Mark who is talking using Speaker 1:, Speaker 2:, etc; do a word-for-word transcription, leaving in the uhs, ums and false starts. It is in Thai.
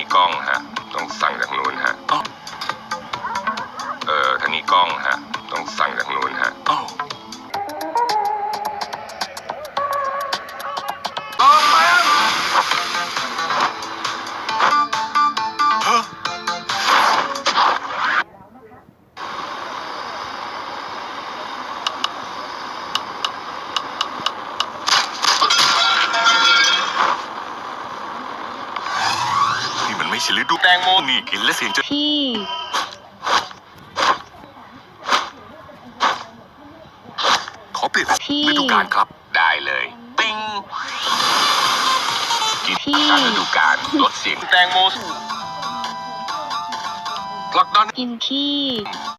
Speaker 1: กล้องฮะต้องสั่งจากนู้นฮะเออทางนี้กล้องฮะต้องสั่งจากนู้นฮะรอแป๊บฮะนี่มันไม่ใช่ฤดูแตงโมนี่กินและเสียงจะ
Speaker 2: พี่
Speaker 1: ขอเปลี่ยนฤดูกาลครับได้เลยติ้งกินตามฤดูกาลลดเสียงแตงโมผลักดัน
Speaker 2: กินขี้